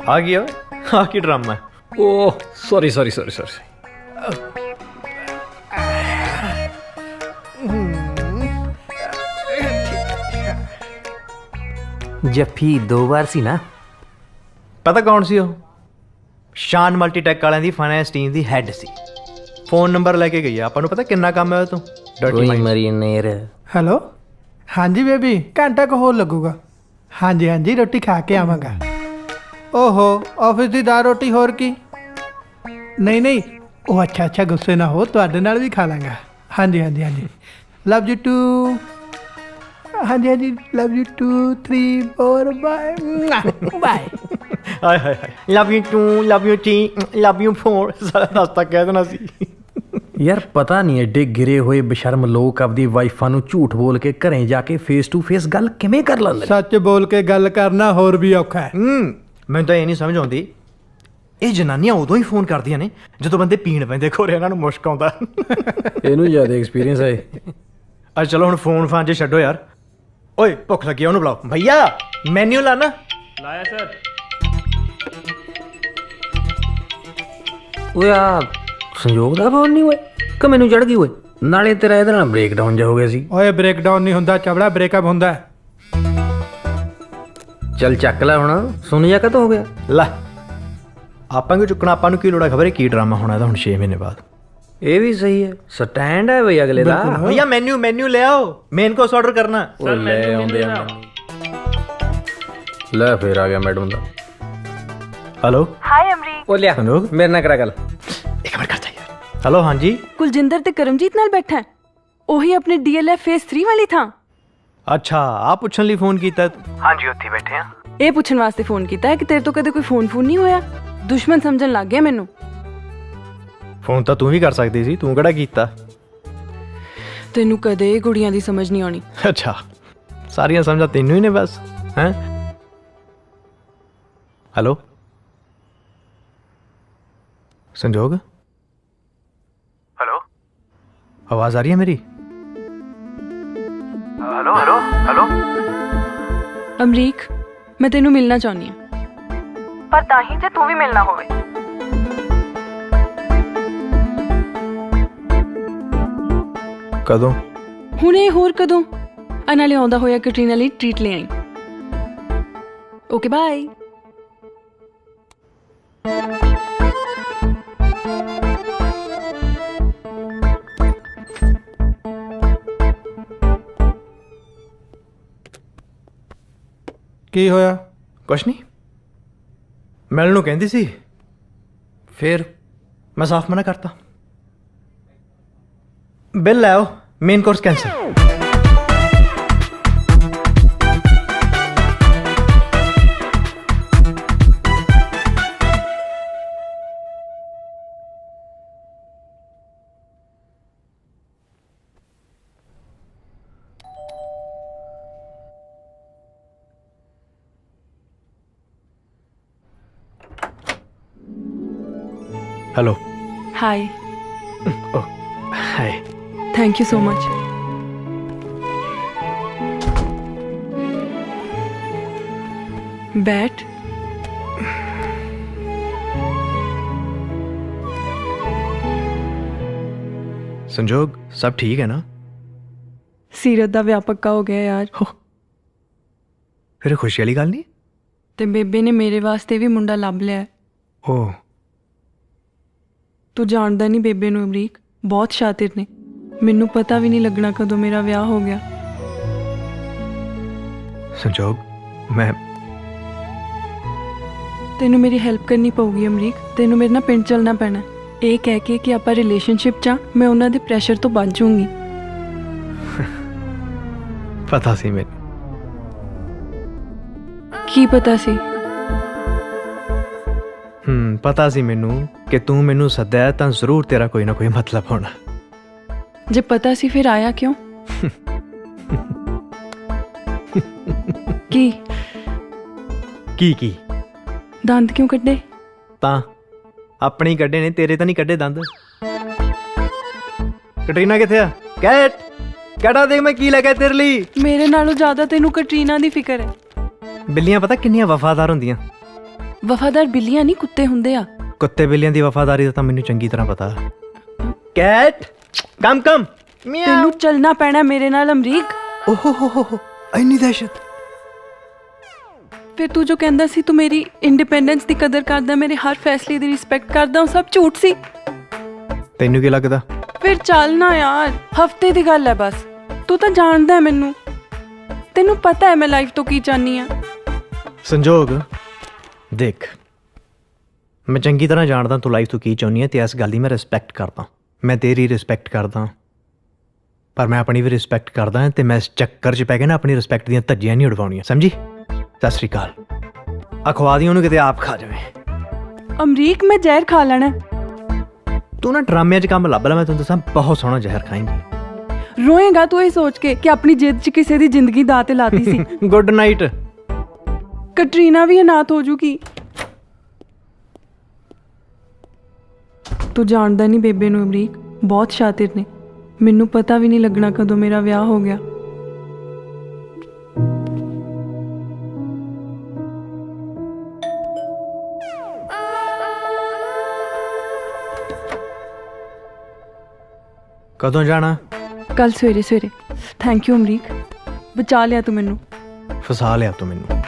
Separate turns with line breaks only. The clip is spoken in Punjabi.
आ गया आ की ड्रामा है।
Oh sorry.
जफ्फी 2 बार सी ना।
पता कौन सी हो? शान मल्टीटैक वालिਆਂ ਦੀ फाइनेंस टीम ਦੀ ਹੈਡ ਸੀ। फोन नंबर लेके गई ਆਪਾਂ ਨੂੰ ਪਤਾ ਕਿੰਨਾ ਕੰਮ ਹੈ ਉਹ ਤੋਂ।
कोई मरीनेर।
ਹੈਲੋ ਹਾਂਜੀ ਬੇਬੀ ਘੰਟਾ ਕੁ ਹੋਰ ਲੱਗੂਗਾ। ਹਾਂਜੀ ਹਾਂਜੀ ਰੋਟੀ ਖਾ ਕੇ ਆਵਾਂਗਾ। ਓਹੋ ਆਫਿਸ ਦੀ ਦਾਲ ਰੋਟੀ ਹੋਰ ਕੀ? ਨਹੀਂ ਨਹੀਂ ਉਹ ਅੱਛਾ ਗੁੱਸੇ ਨਾ ਹੋ ਤੁਹਾਡੇ ਨਾਲ ਵੀ ਖਾ ਲਾਂਗਾ। ਹਾਂਜੀ ਲਵ ਯੂ ਟੂ। ਹਾਂਜੀ ਲਵ ਯੂ 2 3 4 ਬਾਏ ਬਾਏ।
ਹਾਏ ਹਾਏ ਹਾਏ love you 2 love you 3 love you 4 ਸਾਰਾ ਰਸਤਾ ਕਹਿ ਦੇਣਾ ਸੀ।
ਯਾਰ ਪਤਾ ਨਹੀਂ ਐਡੇ ਗਿਰੇ ਹੋਏ ਬਸ਼ਰਮ ਲੋਕ ਆਪਦੀ ਵਾਈਫਾਂ ਨੂੰ ਝੂਠ ਬੋਲ ਕੇ ਘਰੇ ਜਾ ਕੇ ਫੇਸ ਟੂ ਫੇਸ ਗੱਲ ਕਿਵੇਂ ਕਰ ਲੈਂਦੇ ਨੇ।
ਸੱਚ ਬੋਲ ਕੇ ਗੱਲ ਕਰਨਾ ਹੋਰ ਵੀ ਔਖਾ ਹੈ।
ਮੈਨੂੰ ਤਾਂ ਇਹ ਨਹੀਂ ਸਮਝ ਆਉਂਦੀ ਇਹ ਜਨਾਨੀਆਂ ਉਦੋਂ ਹੀ ਫੋਨ ਕਰਦੀਆਂ ਨੇ ਜਦੋਂ ਬੰਦੇ ਪੀਣ ਪੈਂਦੇ ਖੋਰੇ ਇਹਨਾਂ ਨੂੰ ਮੁਸ਼ਕ ਆਉਂਦਾ।
ਇਹਨੂੰ ਜ਼ਿਆਦਾ ਐਕਸਪੀਰੀਅੰਸ ਹੈ।
ਅੱਜ ਚਲੋ ਹੁਣ ਫੋਨ ਫਾਨ 'ਚ ਛੱਡੋ ਯਾਰ। ਓਏ ਭੁੱਖ ਲੱਗੀ ਉਹਨੂੰ ਬੁਲਾਓ। ਭਈਆ ਮੈਨੂ ਲਾਣਾ।
ਲਾਇਆ ਸਰ।
ਓਏ ਆ ਸੰਯੋਗ ਦਾ ਫੋਨ ਨਹੀਂ ਹੋਏ ਕਿ ਮੈਨੂੰ ਚੜ ਗਈ ਓਏ। ਨਾਲੇ ਤੇਰਾ ਇਹਦੇ ਨਾਲ ਬ੍ਰੇਕ ਡਾਊਨ ਜਾ ਹੋ ਗਿਆ ਸੀ।
ਓਏ ਬ੍ਰੇਕਡਾਊਨ ਨਹੀਂ ਹੁੰਦਾ ਚਵੜਾ ਬ੍ਰੇਕਅਪ ਹੁੰਦਾ।
ਚੱਲ ਚੱਕ ਲੈ ਹੁਣ। ਸੁਣ ਜਾ ਕਦੋਂ ਹੋ ਗਿਆ।
ਲੈ ਆਪਾਂ ਕਿਉਂ ਚੁੱਕਣਾ? ਆਪਾਂ ਨੂੰ ਕੀ ਲੋੜ ਹੈ? ਖਬਰ ਹੈ ਕੀ ਡਰਾਮਾ ਹੋਣਾ ਇਹਦਾ ਹੁਣ 6 ਮਹੀਨੇ ਬਾਅਦ।
ਇਹ ਵੀ ਸਹੀ ਹੈ ਸਟੈਂਡ ਹੈ ਬਈ ਅਗਲੇ ਦਾ।
ਭਈਆ ਮੈਨੂ ਲੈ ਆਓ। ਮੇਨ ਕੋਰਸ ਆਰਡਰ ਕਰਨਾ।
ਓਏ ਲੈ ਆਉਂਦੇ ਆ। ਲੈ ਫੇਰ ਆ ਗਿਆ ਮੈਡਮ ਦਾ।
Hello
hi Amrik.
ਉਹ ਲਿਆ
ਸੰਯੋਗ
ਮੇਰੇ ਨਾਲ ਕਰਾ ਗੱਲ।
ਇੱਕ ਮਿੰਟ ਕਰਦਾ ਯਾਰ। ਹੈਲੋ ਹਾਂਜੀ
ਕੁਲਜਿੰਦਰ ਤੇ ਕਰਮਜੀਤ ਨਾਲ ਬੈਠਾ ਹੈ। ਉਹੀ ਆਪਣੇ ਡੀਐਲਐਫ ਫੇਸ 3 ਵਾਲੀ ਥਾਂ।
ਅੱਛਾ ਆ ਪੁੱਛਣ ਲਈ ਫੋਨ ਕੀਤਾ ਤੂੰ? ਹਾਂਜੀ ਉੱਥੇ ਬੈਠੇ ਆ।
ਇਹ ਪੁੱਛਣ ਵਾਸਤੇ ਫੋਨ ਕੀਤਾ ਹੈ ਕਿ ਤੇਰੇ ਤੋਂ ਕਦੇ ਕੋਈ ਫੋਨ ਨਹੀਂ ਹੋਇਆ। ਦੁਸ਼ਮਣ ਸਮਝਣ ਲੱਗ ਗਿਆ ਮੈਨੂੰ।
ਫੋਨ ਤਾਂ ਤੂੰ ਵੀ ਕਰ ਸਕਦੀ ਸੀ ਤੂੰ ਕਿਹੜਾ ਕੀਤਾ?
ਤੈਨੂੰ ਕਦੇ ਕੁੜੀਆਂ ਦੀ ਸਮਝ ਨਹੀਂ ਆਉਣੀ।
ਅੱਛਾ ਸਾਰੀਆਂ ਸਮਝਾਂ ਤੈਨੂੰ ਹੀ ਨੇ ਬਸ ਹੈਂ। ਹੈਲੋ ਸੰਜੋਗ। ਹੈਲੋ ਆਵਾਜ਼ ਆ ਰਹੀ ਹੈ ਮੇਰੀ? ਹੈਲੋ
ਅਮਰੀਕ ਮੈਂ ਤੈਨੂੰ ਮਿਲਣਾ ਚਾਹੁੰਦੀ ਹਾਂ ਪਰ ਤਾਂ ਹੀ ਜੇ ਤੂੰ ਵੀ ਮਿਲਣਾ ਹੋਵੇ।
ਕਦੋਂ?
ਹੁਣੇ ਹੋਰ ਕਦੋਂ? ਨਾਲੇ ਆਉਂਦਾ ਹੋਇਆ ਕੈਟਰੀਨਾ ਲਈ ਟ੍ਰੀਟ ਲੈ ਆਈ। Okay bye.
ਕੀ ਹੋਇਆ?
ਕੁਛ ਨਹੀਂ ਮਿਲਣ ਨੂੰ ਕਹਿੰਦੀ ਸੀ ਫਿਰ ਮੈਂ ਸਾਫ਼ ਮਨਾ ਕਰਤਾ। ਬਿੱਲ ਲੈ ਆਓ। Main course cancel. Hello
hi.
Hi
thank you so much. बैठ।
संजोग सब ठीक है ना?
सीरत दा विआह पक्का हो गया यार।
फिर खुशी वाली गल नहीं?
ते बेबे ने मेरे वास्ते भी मुंडा लभ लिया।
ओह
तू जानदा नहीं बेबे नूं अमरीक बहुत शातिर ने। मैनू पता भी नहीं लगना कदों मेरा विआह हो गया।
संजोग मैं
तेनू मेरी हेल्प करनी पऊगी अमरीक। तेनू मेरे नाल पिंड चलना पैना। ये कह के कि आपां रिलेशनशिप च मैं उन्हां दे प्रैशर तो बच जाऊंगी।
पता सी मैनू।
की पता सी?
पता सी मैनू कि तू मैनू सद्या तां जरूर तेरा कोई ना कोई मतलब होना।
जे पता सी फिर आया क्यों?
की
दंद क्यों कड्डे?
तां अपने ही कड्डे ने तेरे तां नहीं कड्डे दंद। कटरीना किथे आ? कैट कैटा देख मैं की लेके तेरे लिए।
मेरे नालों ज्यादा तेनू कटरीना दी फिक्र है।
बिल्लियां पता किन्नियां वफादार हुंदियां।
ਵਫਾਦਾਰ ਬਿੱਲੀਆਂ ਨਹੀਂ ਕੁੱਤੇ ਹੁੰਦੇ ਆ।
ਕੁੱਤੇ ਬਿੱਲੀਆਂ ਦੀ ਵਫਾਦਾਰੀ ਦਾ ਤਾਂ ਮੈਨੂੰ ਚੰਗੀ ਤਰ੍ਹਾਂ ਪਤਾ। Kat come come.
ਤੈਨੂੰ ਚੱਲਣਾ ਪੈਣਾ ਮੇਰੇ ਨਾਲ ਅਮਰੀਕ।
ਓਹੋ ਹੋ ਇੰਨੀ ਦਹਿਸ਼ਤ।
ਫਿਰ ਤੂੰ ਜੋ ਕਹਿੰਦਾ ਸੀ ਤੂੰ ਮੇਰੀ ਇੰਡੀਪੈਂਡੈਂਸ ਦੀ ਕਦਰ ਕਰਦਾ, ਮੇਰੇ ਹਰ ਫੈਸਲੇ ਦੀ ਰਿਸਪੈਕਟ ਕਰਦਾ, ਉਹ ਸਭ ਝੂਠ ਸੀ।
ਤੈਨੂੰ ਕੀ ਲੱਗਦਾ?
ਫਿਰ ਚੱਲ ਨਾ ਯਾਰ, ਹਫਤੇ ਦੀ ਗੱਲ ਹੈ ਬਸ। ਤੂੰ ਤਾਂ ਜਾਣਦਾ ਹੈ ਮੈਨੂੰ, ਤੈਨੂੰ ਪਤਾ ਹੈ ਮੈਂ ਲਾਈਫ ਤੋਂ ਕੀ ਚਾਹਨੀ ਆ।
ਸੰਜੋਗ ਦੇਖ, ਮੈਂ ਚੰਗੀ ਤਰ੍ਹਾਂ ਜਾਣਦਾ ਤੂੰ ਲਾਈਫ ਤੋਂ ਕੀ ਚਾਹੁੰਦੀ ਹੈ ਤੇ ਇਸ ਗੱਲ ਦੀ ਮੈਂ ਰਿਸਪੈਕਟ ਕਰਦਾ। ਮੈਂ ਤੇਰੀ ਰਿਸਪੈਕਟ ਕਰਦਾ, ਪਰ ਮੈਂ ਆਪਣੀ ਵੀ ਰਿਸਪੈਕਟ ਕਰਦਾ ਤੇ ਮੈਂ ਇਸ ਚੱਕਰ 'ਚ ਪੈ ਕੇ ਨਾ ਆਪਣੀ ਰਿਸਪੈਕਟ ਦੀਆਂ ਧੱਜੀਆਂ ਨਹੀਂ ਉਡਵਾਉਣੀਆਂ, ਸਮਝੀ? ਸਤਿ ਸ਼੍ਰੀ ਅਕਾਲ। ਅਖਵਾ ਦੀ ਉਹਨੂੰ, ਕਿਤੇ ਆਪ ਖਾ ਜਾਵੇ।
ਅਮਰੀਕ ਮੈਂ ਜ਼ਹਿਰ ਖਾ ਲੈਣਾ।
ਤੂੰ ਨਾ ਡਰਾਮਿਆਂ 'ਚ ਕੰਮ ਲੱਭ ਲੈ, ਮੈਂ ਤੈਨੂੰ ਦੱਸਾਂ ਬਹੁਤ ਸੋਹਣਾ ਜ਼ਹਿਰ ਖਾਏਂਗੀ।
ਰੋਏਗਾ ਤੂੰ ਇਹ ਸੋਚ ਕੇ ਕਿ ਆਪਣੀ ਜਿੱਦ 'ਚ ਕਿਸੇ ਦੀ ਜ਼ਿੰਦਗੀ ਦਾਅ ਤੇ ਲਾਤੀ ਸੀ।
Good night.
ਕਟਰੀਨਾ ਵੀ ਅਨਾਥ ਹੋ ਜੂਗੀ। ਤੂੰ ਜਾਣਦਾ ਨਹੀਂ ਬੇਬੇ ਨੂੰ ਅਮਰੀਕ, ਬਹੁਤ ਸ਼ਾਤਿਰ ਨੇ। ਮੈਨੂੰ ਪਤਾ ਵੀ ਨਹੀਂ ਲੱਗਣਾ ਕਦੋਂ ਮੇਰਾ ਵਿਆਹ ਹੋ ਗਿਆ।
ਕਦੋਂ ਜਾਣਾ?
ਕੱਲ ਸਵੇਰੇ ਸਵੇਰੇ। ਥੈਂਕ ਯੂ ਅਮਰੀਕ, ਬਚਾ ਲਿਆ ਤੂੰ ਮੈਨੂੰ।
ਫਸਾ ਲਿਆ ਤੂੰ ਮੈਨੂੰ।